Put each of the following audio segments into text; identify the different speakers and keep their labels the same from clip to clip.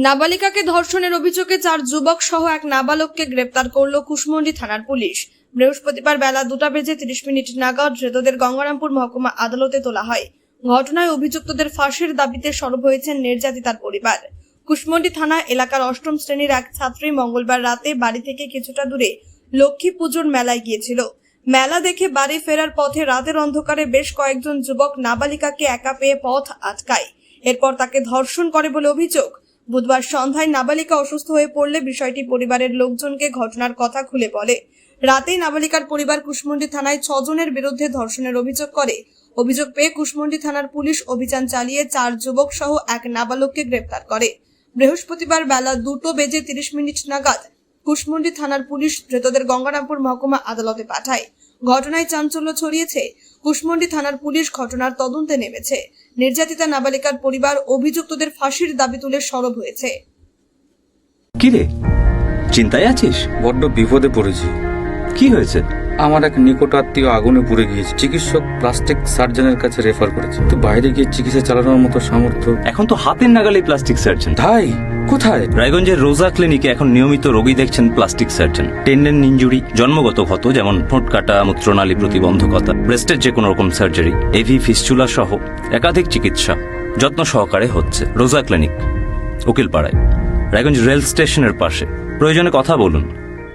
Speaker 1: নাবালিকাকে ধর্ষণের অভিযোগে 4 যুবক সহ এক নাবালককে গ্রেপ্তার করল কুশমন্ডি থানার পুলিশ। বৃহস্পতিবার বেলা 2:30 নাগাদ ধৃতদের গঙ্গারামপুর মহকুমা আদালতে তোলা হয়। ঘটনায় অভিযুক্তদের ফাঁসির দাবিতে সরব হয়েছেন নির্যাতিতার পরিবার। কুশমন্ডি থানা এলাকার 8ম শ্রেণীর এক ছাত্রী মঙ্গলবার রাতে বাড়ি থেকে কিছুটা দূরে লক্ষ্মী পুজোর মেলায় গিয়েছিল। মেলা দেখে বাড়ি ফেরার পথে রাতের অন্ধকারে বেশ কয়েকজন যুবক নাবালিকাকে একা পেয়ে পথ আটকায়। এরপর তাকে ধর্ষণ করে বলে অভিযোগ। বুধবার সন্ধ্যায় নাবালিকা অসুস্থ হয়ে পড়লে বিষয়টি পরিবারের লোকজনকে ঘটনার কথা খুলে বলে। রাতেই নাবালিকার পরিবার কুশমন্ডি থানায় 6 জনের বিরুদ্ধে ধর্ষণের অভিযোগ করে। অভিযোগ পেয়ে কুশমন্ডি থানার পুলিশ অভিযান চালিয়ে 4 যুবক সহ এক নাবালককে গ্রেপ্তার করে। বৃহস্পতিবার বেলা 2:30 নাগাদ কুশমন্ডি থানার পুলিশ ধৃতদের গঙ্গারামপুর মহকুমা আদালতে পাঠায়। ঘটনায় চাঞ্চল্য ছড়িয়েছে। কুশমন্ডি থানার পুলিশ ঘটনার তদন্তে নেমেছে। নির্যাতিতা নাবালিকার পরিবার অভিযুক্তদের ফাঁসির দাবি তুলে সরব হয়েছে।
Speaker 2: কি রে, চিন্তায় আছিস?
Speaker 3: বড্ড বিপদে পড়েছি।
Speaker 2: কি হয়েছে?
Speaker 3: আমার এক নিকট আত্মীয় আগুনে পুড়ে গিয়েছে। চিকিৎসক প্লাস্টিক সার্জনের কাছে রেফার করেছে, তো বাইরে গিয়ে চিকিৎসা চালানোর মতো সামর্থ্য।
Speaker 2: এখন তো হাতের নাগালে প্লাস্টিক সার্জন।
Speaker 3: তাই কোথায়?
Speaker 2: রায়গঞ্জের রোজা ক্লিনিকে এখন নিয়মিত রোগী দেখছেন প্লাস্টিক সার্জন। টেন্ডেন ইনজুরি, জন্মগত ক্ষত যেমন ঠোঁট কাটা, মূত্রনালী প্রতিবন্ধকতা, ব্রেস্টের যে কোনো রকম সার্জারি, এভি ফিস্চুলা সহ একাধিক চিকিৎসা যত্ন সহকারে হচ্ছে রোজা ক্লিনিক, উকিলপাড়ায়, রায়গঞ্জ রেল স্টেশনের পাশে। প্রয়োজনে কথা বলুন।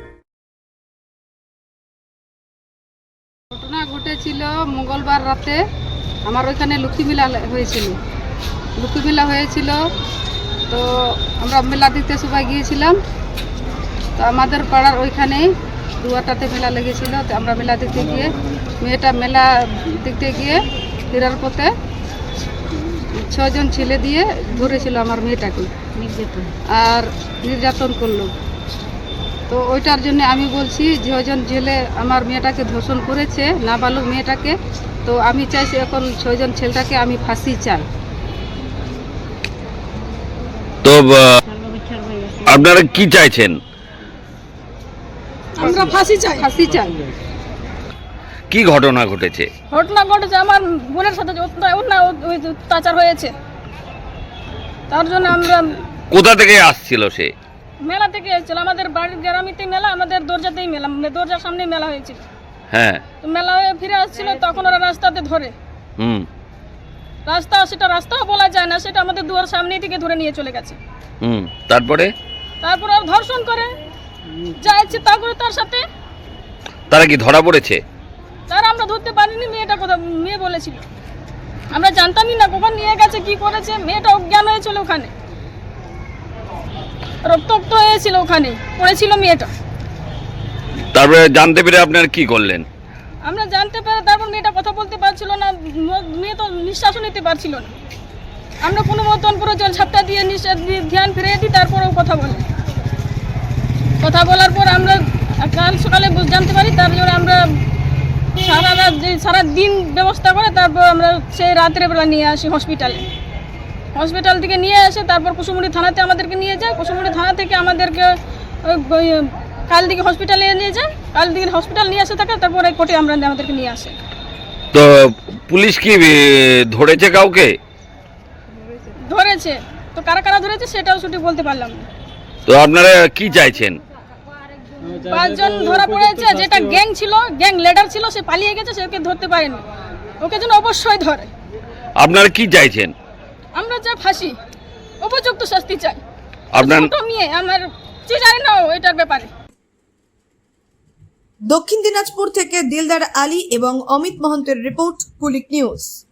Speaker 4: ঘটনা ঘটেছিল মঙ্গলবার রাতে। আমার ওইখানে লক্ষ্মী মেলা হয়েছিল। তো আমরা মেলা দেখতে সবাই গিয়েছিলাম। তো আমাদের পাড়ার ওইখানে দুয়ারটাতে মেলা লেগেছিল। তো আমরা মেলা দেখতে গিয়ে ফেরার পথে 6 জন ছেলে দিয়ে ধরেছিল আমার মেয়েটাকে আর নির্যাতন করলো। তো ওইটার জন্য আমি বলছি, 6 জন ছেলে আমার মেয়েটাকে ধর্ষণ করেছে, নাবালক মেয়েটাকে। তো আমি চাইছি এখন 6 জন ছেলেটাকে আমি ফাঁসি চাই।
Speaker 5: তো আপনারা কি চাইছেন?
Speaker 4: আমরা ফাঁসি চাই।
Speaker 5: কি ঘটনা ঘটেছে?
Speaker 4: আমার বোনের সাথে অত্যাচার হয়েছে। তার জন্য আমরা
Speaker 5: কোথা থেকে আসছিল সে?
Speaker 4: মেলা থেকে এসেছিল। আমাদের বাড়ির গ্রামেতে মেলা, আমাদের দরজাতেই মেলা, দরজার সামনে মেলা হয়েছিল।
Speaker 5: হ্যাঁ,
Speaker 4: তো মেলা হয়ে ফিরে আসছিল, তখন ওরা রাস্তাতে ধরে। সেটা রাস্তাও বলা যায় না, সেটা আমাদের দুয়ার সামনেই থেকে ধরে নিয়ে চলে গেছে।
Speaker 5: তারপরে
Speaker 4: আর ধর্ষণ করে যা ইচ্ছে তা করে তার সাথে।
Speaker 5: তারা কি ধরা পড়েছে?
Speaker 4: তারা আমরা ধরতে পারিনি। মেয়ে বলেছিল, আমরা জানতামই না কখন নিয়ে গেছে, কি করেছে। মেয়েটা অজ্ঞান হয়েছিল, ওখানে রক্তাক্ত হয়েছিল, ওখানে পড়েছিল মেয়েটা।
Speaker 5: তারপরে জানতে পেরে আপনারা কি করলেন?
Speaker 4: আমরা জানতে পেরে তারপর মেয়েটা কথা বলতে পারছিল না, মেয়ে তো নিঃশ্বাসও নিতে পারছিল না। আমরা কোনো মতন পুরো জল ঝাপটা দিয়ে ধ্যান ফিরিয়ে দিই, তারপরেও কথা বলার পর আমরা কাল সকালে জানতে পারি। তারপরে আমরা সারা দিন ব্যবস্থা করে তারপর আমরা সেই রাত্রেবেলা নিয়ে আসি হসপিটাল থেকে নিয়ে আসে। তারপর কুশমন্ডি থানাতে আমাদেরকে নিয়ে যায়। কুশমন্ডি থানা থেকে আমাদেরকে কাল দিকে হসপিটালে নিয়ে যায়। কাল দিকে হসপিটাল নিয়ে আসে থাকে, তারপরে কোর্টে আমাদেরকে নিয়ে আসে।
Speaker 5: তো পুলিশ কি ধরেছে কাউকে?
Speaker 4: ধরেছে, তো কারা ধরেছে সেটাও সঠিক বলতে পারলাম না।
Speaker 5: তো আপনারা কি চাইছেন?
Speaker 4: 5 জন ধরা পড়েছে, যেটা গ্যাং লিডার ছিল, সে পালিয়ে গেছে, সেকে ধরতে পারেনি। ওকে যেন অবশ্যই ধরে।
Speaker 5: আপনারা কি চাইছেন?
Speaker 4: আমরা চাই ফাঁসি, উপযুক্ত শাস্তি চাই।
Speaker 5: আপনার
Speaker 4: মেয়ে আমার জানি না এটার ব্যাপারে।
Speaker 1: দক্ষিণ দিনাজপুর থেকে দিলদার আলী এবং অমিত মহন্তের রিপোর্ট, কুলিক নিউজ।